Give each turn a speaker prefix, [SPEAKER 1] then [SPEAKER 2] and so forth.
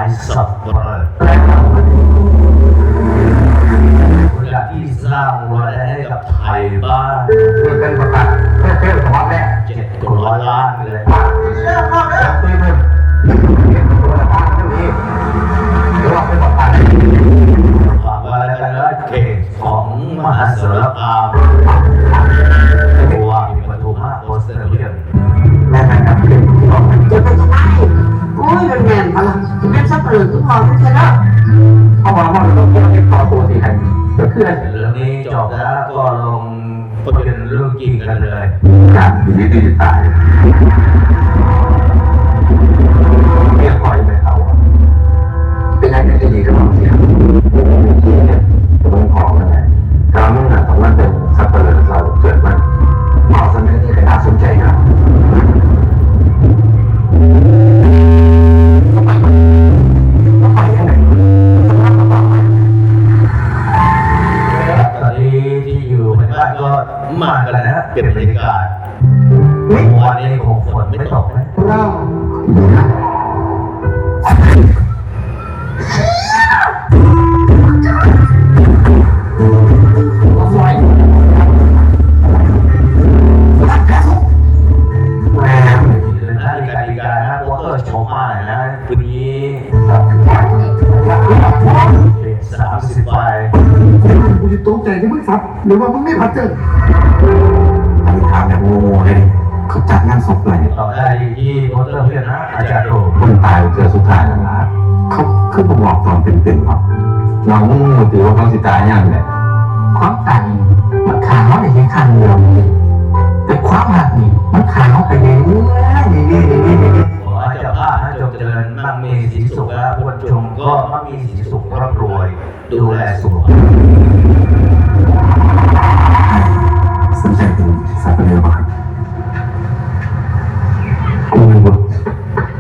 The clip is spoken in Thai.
[SPEAKER 1] สับปะรดอย่างที่สร้างรายได้ให้กับไทยบ้าน
[SPEAKER 2] นี่เป็นประกาศเพื่อเชื่อมสมองแม่
[SPEAKER 1] 700 ล้านเลย
[SPEAKER 2] เชื่อมากเลยตีมือตัวละบ้านที่นี่หรือว่าเป็นประกาศ
[SPEAKER 1] ฝากไว้แล้วกันนะเขตของมหาสารคามตัวมีปฐุมมาโปสเตอร์เรียน
[SPEAKER 2] แม่นะครับเรื่องที่บอก
[SPEAKER 3] จะเป็นยังไงโอ้ยมันแม่นพลังจะเป็นสับเปลือกทุกพอทุกชนะ
[SPEAKER 2] เขาบอกว่าเราต้องเก็บต่อตัวสิใครก็คือ
[SPEAKER 1] เรื่องนี้จบแล้วก็ลงประเด็นเรื่องจริงกันเลย
[SPEAKER 2] การดีดีตายเรียกคอยไปเขาเป็นอะไรที่ดีก็ต้องเสียมีที่เนี่ยจะเป็นของนั่นแหละการมุ่งหน้าของมันเป็นสับเปลือกเราเกิดมันเหมาะสมที่จะน่าสนใจครับไปยังไง
[SPEAKER 1] ตอนนี้ที่อยู่ในบ้านก็มากันแล้วนะเก็บบรรยากาศวันนี้คงฝนไม่ตกนะ
[SPEAKER 3] เรา
[SPEAKER 1] ชมมาเลยนะวันนี้30 ใบ
[SPEAKER 2] กูจะตกใจที่มึงสับหรือว่ามึงไม่พัดเจออันนี้ถามแบบโง่เลยเขาจัดงานศพเลย
[SPEAKER 1] ต่อได้ที่โพสเตอร์เพื่อนนะอาจารย์โต
[SPEAKER 2] คนตายเจอสุดท้ายแล้วนะเขาขึ้นมาบอกตอนเป็นๆครับน้องมึงถือว่าเขาสิตายยังไงความตายมันขาเขาในที่คันเดียวแต่ความหักนี่มันขาเขาไปเรื่อย
[SPEAKER 1] ขอให้เจ้าภาพให้จงเจริญมั่งมีสีสุขและผู้ชมก็มั่งมีสีสุขร่ำรวยดูแลสุขภาพ